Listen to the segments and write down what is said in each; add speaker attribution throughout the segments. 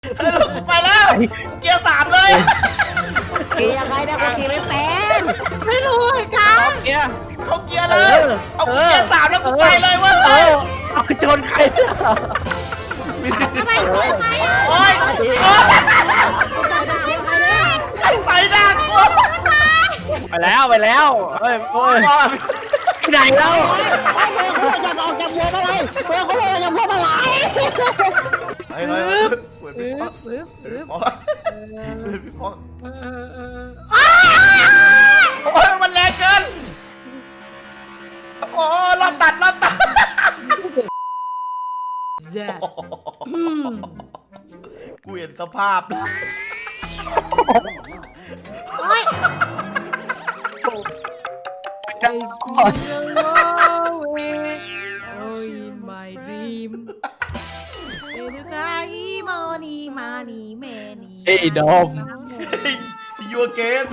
Speaker 1: กูไปแล้วเกียร์3เลย
Speaker 2: ขี่ยังไงนะกูขี่ไม่เป็น
Speaker 3: ไม่รู้เหมือนกัน
Speaker 4: เกียร์
Speaker 1: เข้าเกียร์เลยเอาเกียร์3แล้วกูไปเลยเว้ย
Speaker 4: เอาชนใคร
Speaker 3: ทำไมกูไปอ่ะ
Speaker 1: โอ้ย
Speaker 2: ใส่ด่าใครเนี่ย
Speaker 1: ใครใส่ด่างกู
Speaker 4: ไปแล้วเฮ้ยไหนแล้ว
Speaker 2: ไอ้เบอร์เขาจะออกจากบัวมาเลยเบอร์เขาจะจากบัวมาไหล
Speaker 1: เฮ้ยเหมือนพี่พ่อโอ้ยมันแรงเกินโอ้รอบตัดกูเห็นสภาพ
Speaker 3: โอ้ย my dream
Speaker 4: เอ้ยดอม
Speaker 1: ที่ยูเกน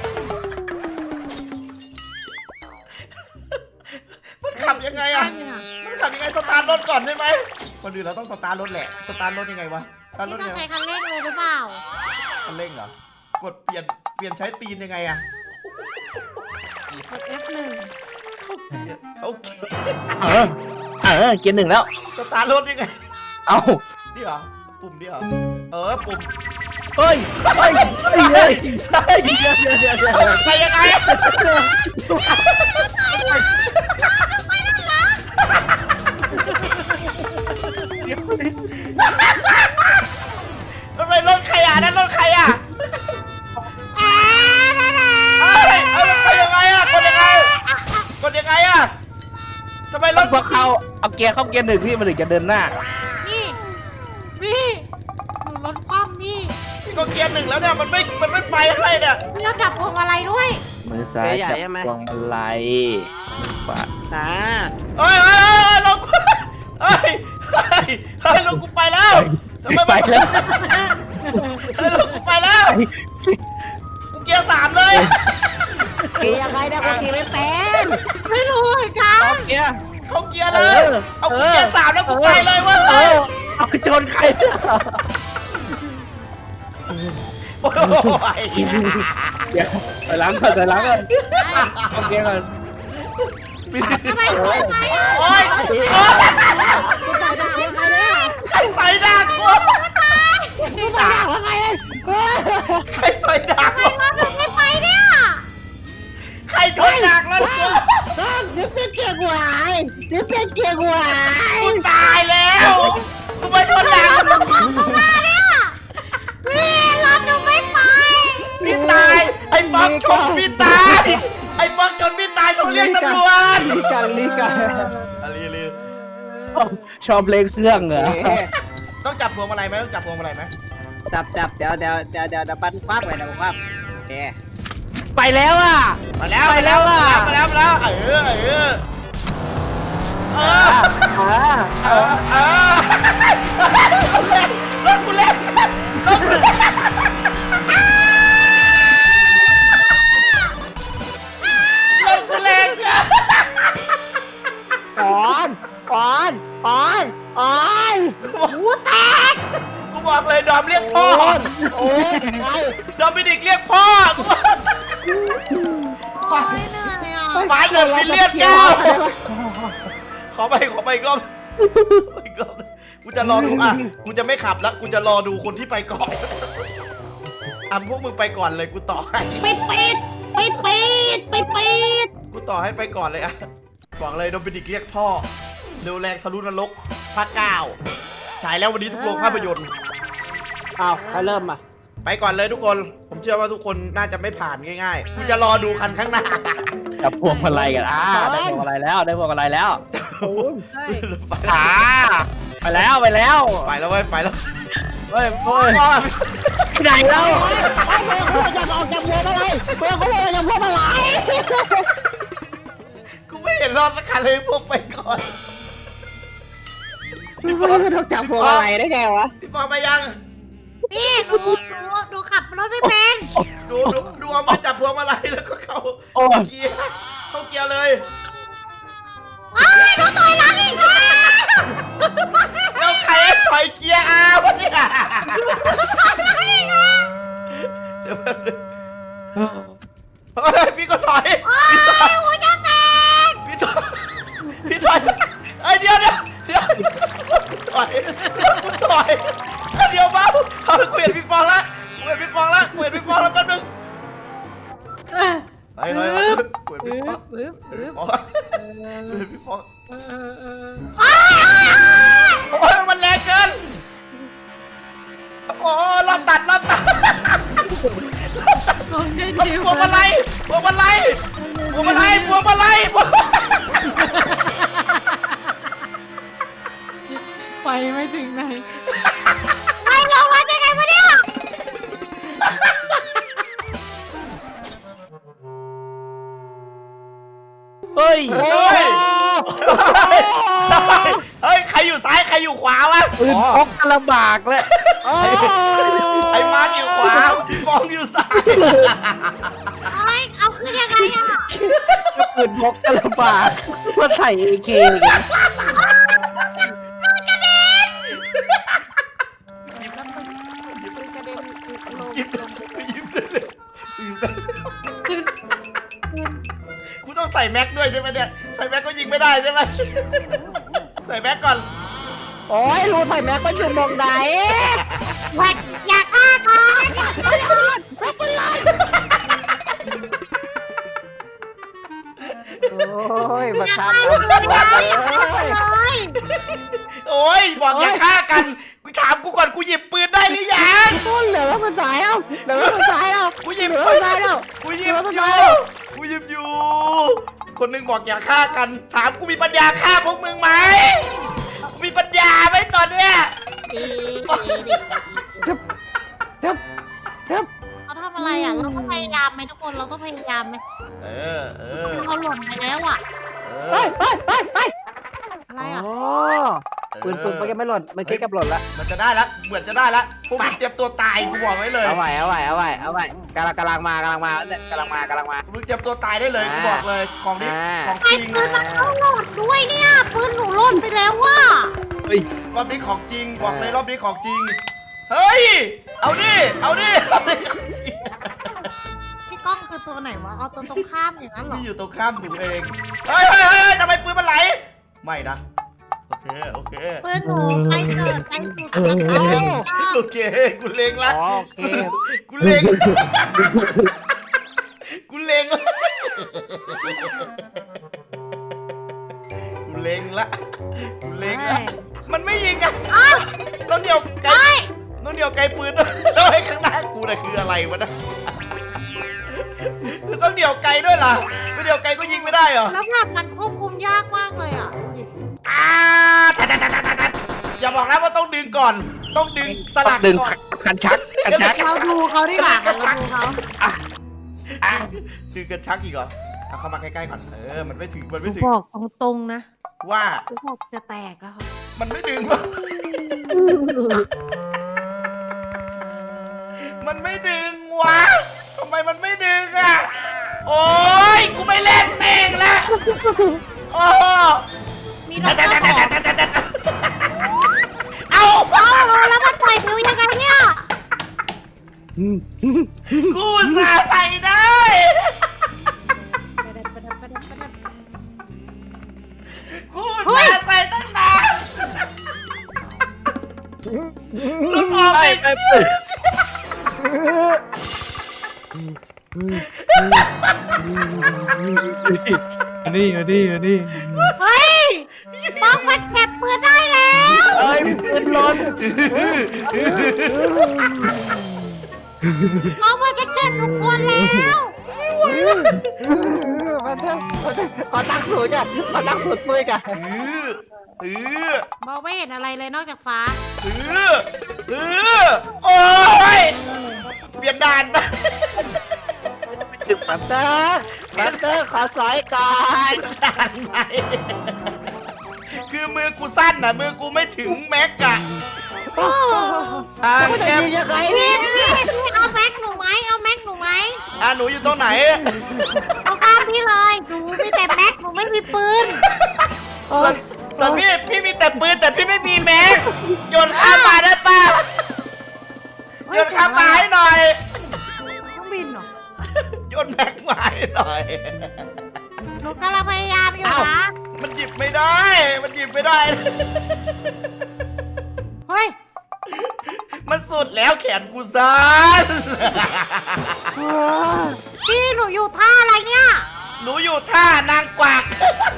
Speaker 1: มันขับยังไงอะมันขับยังไงสตาร์ทรถก่อนใช่ไหมคนอื่นเราต้องสตาร์ทรถแหละสตาร์ทรถยังไงวะสตาร์ทร
Speaker 3: นี่
Speaker 1: ถ
Speaker 3: ต้อ
Speaker 1: ยัง งไง
Speaker 3: ใช้คันเร่งเลยหรือเปล่า
Speaker 1: คันเร่งเหรอกดเปลี่ยนใช้ตีนยังไงอะ
Speaker 3: กด F1
Speaker 1: เขา
Speaker 4: เกียร์หนึ่งแล้ว
Speaker 1: สตาร์ทรถยังไง
Speaker 4: เอา
Speaker 1: นี่เหรอปุ่มนี่เหรอปุ่ม
Speaker 4: เฮ้ยไป
Speaker 1: ยังไงทำไมรถใครอ่ะนั่นรถใครอ่ะมันไปยังไงอ่ะกดยังไงอ่ะทำไมรถ
Speaker 4: ก็เอาเกียร์เข้าเกียร์หนึ่งพี่มันถึงจะเดินหน้า
Speaker 3: นี่หนูรถคว่ำนี่
Speaker 1: ก็เกียร์1แล้วเนี่ยมันไม่ไปให้เนี่ย
Speaker 3: พี่เราจับพวงมาลัยด้วย
Speaker 4: มือซ้ายจับพวงมาลัยมือขวา
Speaker 1: เฮ้ยลงเฮ้ยลงกูไปแล้วทำไม
Speaker 4: ไปแล้ว
Speaker 1: ลงกูไปแล้วกูเกียร์3เลย
Speaker 2: ขี่ยังไงนะกูขี่ไม่เป็น
Speaker 3: ไม่รู้เหมือนกัน
Speaker 4: เกียร์
Speaker 1: เข้าเกียร์เลยเอากูเกียร์3แล้วกูไปเลยเว้ย
Speaker 4: เอาชนใคร
Speaker 1: โอ้ย
Speaker 4: เดี๋ยวไปล้างก่อนเอาเกียร์ก่อน
Speaker 3: ทำไมกูไปอ่ะ
Speaker 1: โอ้ย
Speaker 2: กูใส่ด่าใครเนี่ย
Speaker 1: ใครใส่ดากกู
Speaker 2: กูใส่ด่าใครเลย
Speaker 1: ใครใส่ดากกู
Speaker 3: รถหนูไม่ไปเนี่ย
Speaker 1: ใครชนดากแล้วกู
Speaker 2: นี่เป็นเกียร์กูหายนี่เป็นเกียร์กูหาย
Speaker 1: กูตายแล้วกูไปชนดาก
Speaker 3: รถหนูตกมาเนี่ยพี่รถหนูไม่ไป
Speaker 1: พี่ตายไอ้ป๊อกชนพี่ตายไอ้ป๊อกชนพี่ตายเขาเรียกตำรวจ
Speaker 2: ลีกัน
Speaker 1: อะไรเลย
Speaker 4: ชอบเล่นเครื่องเหรอ
Speaker 1: ต้องจับพวงมาลัยไหมต้องจับพวงมาลัยไหม
Speaker 2: จับเดี๋ยวปั้นคว้าไปนะคว้าเอ๊
Speaker 4: ไปแล้วอ่ะ
Speaker 1: มาแล้ว
Speaker 4: ไปแล้วอะ
Speaker 1: มาแล้วรถกูเล่น
Speaker 3: หูแตก
Speaker 1: กูบอกเลยดอมเรียกพ่อ
Speaker 2: โอ้ยใคร
Speaker 1: ดอมมินิกเรียกพ่อกูบอก
Speaker 3: ไม่เหนื่อยอ่ะ
Speaker 1: ฟ้าเหลืองฟิลเลียนเก้าขอไปอีกรอบกูจะรอดูกูจะไม่ขับแล้วกูจะรอดูคนที่ไปก่อนพวกมึงไปก่อนเลยกูต่อให้
Speaker 3: ไปปิด
Speaker 1: กูต่อให้ไปก่อนเลยบอกเลยโดมินิกเรียกพ่อเร็วแรงทะลุนรกภาค9ฉายแล้ววันนี้ทุกโรงภาพยนตร์
Speaker 2: อ้าวใครเริ่มอ่ะ
Speaker 1: ไปก่อนเลยทุกคน ผมเชื่อว่าทุกคนน่าจะไม่ผ่านง่ายๆกูจะรอดูคันข้างหน้า
Speaker 4: จับพวงมาลัยกันได้พวงมาลัยแล้วได้พวงมาลัยแล้วไปแล้วเว้ย
Speaker 1: ไปแล้ว
Speaker 4: เฮ้ย
Speaker 1: พ่อ
Speaker 4: ไหนแล้ว
Speaker 2: ไอ้เบอร์เขาจะออกจากบัวมาเลยเบอร์เขาจะจากบัวมาไหล
Speaker 1: กูไม่เห็นรอดสักคันเลยพวกไปก่อน
Speaker 2: เบอร์เขาต้องจับบัวมาไหลได้ไงวะ
Speaker 1: พี่ฟองไปยัง
Speaker 3: พี่ดูขับรถไม่เป็น
Speaker 1: ดูเอามือจับพวงมาลัยแล้วก็เข้าเกียร์เลย
Speaker 3: อ้าวรถถอยหลังอีกแล้ว
Speaker 1: แล้วใครให้ถอยเกียร์อ้าวเนี่ยเดี๋ยวเฮ้ยพี่ก็ถอยพี่ถอยพี่ถอยพี่ถอยไอ้เดี๋ยวถอยเดี๋ยวมาเอากูเห็นพี่ฟองละแป๊บนึงไปกูเห็นพี่ฟองกูเห็นพี่ฟองโอ้ยมันแรงเกินโอ้รอบตัด
Speaker 3: ลงได้ดี
Speaker 1: พวงมาลัย
Speaker 3: ไปไม่ถึงไหน
Speaker 5: ไม่ลงมาได้ไงวะเนี่ย
Speaker 4: เฮ้ย
Speaker 1: เฮ้ยใครอยู่ซ้ายใครอยู่ขวาวะ
Speaker 4: ปืนพกกระบากเลย
Speaker 1: ไอ้มาร์คอยู่ขวาพี่ฟองอยู่ซ้าย
Speaker 5: เอ้ยเอาขึ้นยังไงอ่ะ
Speaker 4: ปืนพกกระบากมาใส่เอเค
Speaker 1: กูต้องใส่แม็กด้วยใช่ไหมเนี่ยใส่แม็กก็ยิงไม่ได้ใช่ไหมใส่แม็กก่อน
Speaker 2: โอ้ยรู้ไผ่แม็กมันอยู่มองไหน
Speaker 5: แหวกอย่าฆ่าก่อน
Speaker 2: โอ้ยมา
Speaker 5: อย่า
Speaker 2: ฆ่า
Speaker 5: ฆ่า
Speaker 2: กัน
Speaker 5: เลย
Speaker 1: โอ้ยบอกอย่าฆ่ากันกูถามกูก่อนกูหยิบปืนได้หรือยัง
Speaker 2: ต้นเหลือแล้วมันตายแล้วเหลือแล้วมันตายแล้ว
Speaker 1: กูหยิบ
Speaker 2: เหลือ
Speaker 1: ปื
Speaker 2: แล้ว
Speaker 1: น
Speaker 2: มันตายแล้ว
Speaker 1: กูหยิบอยู่คนหนึงบอกอย่าฆ่ากันถามกูมีปัญญาฆ่าพวกมึงไหมกูมีปัญญาไหมตอนเนี้ย
Speaker 2: จับ
Speaker 5: เขาทำอะไรอ่ะเราต้องพยายามไหมทุกคนเราต้องพยายามไหม
Speaker 1: เออ
Speaker 5: เราหล่นไปแล้วอ่ะ
Speaker 2: เฮ้ย
Speaker 5: อะไรอ่ะ
Speaker 2: อ๋อปืนมันยังไม่หล่นมันคิดกับหล่นละ
Speaker 1: มันจะได้ละเหมือนจะได้ละพวกมึงเตรียมตัวตายกูบอกไว้เลย
Speaker 4: เอาไว้กำลังมา
Speaker 1: มึงเตรียมตัวตายได้เลยกูบอกเลยของนี้ของ
Speaker 5: ไอ้
Speaker 1: จริง
Speaker 5: ปืนมันต้องหล่นด้วยเนี่ยปืนหนูหล่นไปแล้วว่ะ
Speaker 4: เฮ้ย
Speaker 1: รอบนี้ของจริงบอกเลยรอบนี้ของจริงเฮ้ยเอาดิรอบนี้ของจริง
Speaker 5: พี่ก้องคือตัวไหนวะเอาตัวตรงข้ามอย่างนั้นเหรอ
Speaker 1: ที่อยู่ตรงข้ามหนูเองเฮ้ยทำไมปืนมันไหลไม่นะโอเค
Speaker 5: ปืนหนูไปเกิดไปสู่สวรรค์
Speaker 1: โอเคกูเล็งละ
Speaker 2: อ๋อโอเค
Speaker 1: กูเล็งละมันไม่ยิงอ่ะต้นเดียวไกลปืนด้วยข้างหน้ากูน่ะคืออะไรวะนะต้องเดี่ยวไกลด้วยล่ะไม่เดี่ยวไกลก็ยิงไม่ได้เหรอ
Speaker 5: แล้วแบบมันควบคุมยากมากเลยอ่ะดูดิ
Speaker 1: อย่าบอกนะว่าต้องดึงก่อน ต้องดึงสลัก
Speaker 4: ดึง
Speaker 1: ก่อน
Speaker 4: คันชัก
Speaker 5: เราดูเขาดีกว่าเราดูเขา
Speaker 1: ดึงกันชักอีกเหรอเอาเข้ามาใกล้ๆก่อนมันไม่ถึง
Speaker 5: บอกตรงๆนะ
Speaker 1: ว่า
Speaker 5: กูบอกจะแตกแล้วค่ะ
Speaker 1: มันไม่ดึงวะมันไม่ดึงวะทำไมมันไม่ดึงอ่ะโอ้ยกูไม่เล่นเองละโอ้
Speaker 5: มีรถจะบอก
Speaker 1: เอา
Speaker 5: แล้วมันปล่อยฟิวยังไงเนี่ย
Speaker 1: กูจะใส่ได้กูจะใส่ตั้งนานลุกออกไป
Speaker 3: นี่
Speaker 5: เฮ้ยมองมันเก็บปืนได้แล้ว
Speaker 2: เอ้ยปืนหล่น
Speaker 5: มองมันจะเก็บทุกคนแล้ว
Speaker 2: มาเถอะขอตั้งสูตรจ้ะขอตั้งสูตรปืนจ้ะ
Speaker 5: มองไม่เห็นอะไรเลยนอกจากฟ้า
Speaker 1: โอ้ยเปลี่ยนด่านไป
Speaker 2: มาเตอร์ขอสอยก่อน
Speaker 1: ด่านไหนคือมือกูสั้นนะมือกูไม่ถึงแม็กอะทาง
Speaker 2: กูจะ
Speaker 1: แคบ
Speaker 2: ยิงยังไง
Speaker 5: พี่
Speaker 2: เนี่ย
Speaker 5: พี่เอาแม็กหนูไหมเอาแม็กหนูไหม
Speaker 1: หนูอยู่ตรงไหน
Speaker 5: เอาข้ามพี่เลยหนูมีแต่แม็กหนูไม่มีปืน
Speaker 1: ส่วนพี่มีแต่ปืนแต่พี่ไม่มีแม็กโยนข้ามมานะมาโยนข้ามมาให้หน่อย
Speaker 5: เครื่องบินเหรอ
Speaker 1: โยนแม็กมาให้หน่อย
Speaker 5: หนูกำลังพยายามอยู่นะ
Speaker 1: มันหยิบไม่ได้ มันหยิบไม่ได้
Speaker 5: เฮ้ย
Speaker 1: มันสุดแล้วแขนกูสั้น
Speaker 5: พี่หนูอยู่ท่าอะไรเนี่ย
Speaker 1: หนูอยู่ท่านางกวัก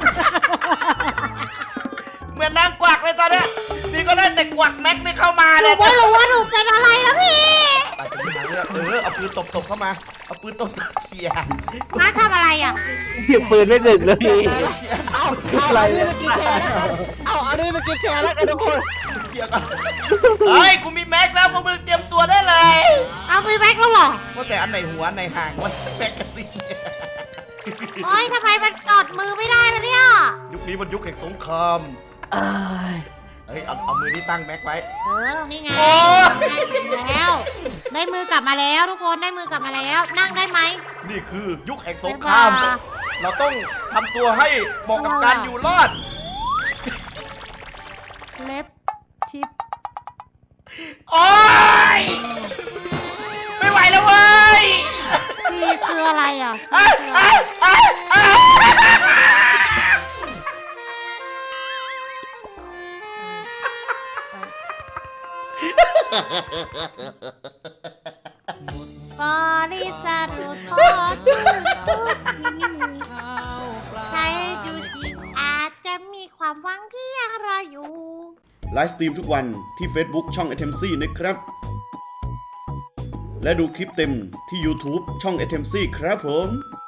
Speaker 1: เหมือนนางกวักเลยตอนเนี้ยพี่ก็ได้แต่กวักแม็กไม่เข้ามา
Speaker 5: หนู
Speaker 1: เนี่ย
Speaker 5: ไม่รู้ว่าหนูเป็นอะไรแล้วพี่
Speaker 1: อาจจะมีทางเลือกเอาปืนตบเข้ามา เอาปืนตบเขี่ย
Speaker 5: น้าทำอะไรอ่ะ
Speaker 4: หยิบปืนไม่ถึงเลย
Speaker 2: เอาอะไรนี่มากินแชร์แล้วกันเอาอันนี้มากินแชร์แล้วกันทุกคน
Speaker 1: เขี่ยก่อนเฮ้ย กูมีแม็กแล้วพวกมึงเตรียมตัวได้เลย
Speaker 5: เอาไปแม็กแล้วเหรอ
Speaker 1: ว่าแต่อันไหนหัวอันไหนหางมันแม็กกาซีน
Speaker 5: โอ้ยทำไมมันกอดมือไม่ได้ล่ะเนี่ย
Speaker 1: ยุคนี้มันยุคแห่งสงคราม เฮ้ย เอามือที่ตั้งแม็กไว้
Speaker 5: นี่ไง
Speaker 1: โอ้
Speaker 5: ได้แล้ว ได้มือกลับมาแล้วทุกคนได้มือกลับมาแล้ว นั่งได้ไหม
Speaker 1: นี่คือยุคแห่งสงคราม
Speaker 5: บ๊ายบาย
Speaker 1: เราต้องทำตัวให้เหมาะกับการอยู่รอด
Speaker 5: เล็บชิป
Speaker 1: โอ๊ย ไม่ไหวแล้วเว้ย
Speaker 5: ซีคืออะไรอ่ะซี
Speaker 1: เอ้ย
Speaker 5: คืออะไร
Speaker 1: เอ้ยเอ้ยเอ้ย
Speaker 5: บริษัทรถพอทุกที่ใครดูสิอาจจะมีความหวังที่ยังรออยู่
Speaker 6: ไลฟ์สตรีมทุกวันที่ Facebook ช่อง a t e m c นะครับ และดูคลิปเต็มที่ YouTube ช่อง a t e m c ครับผม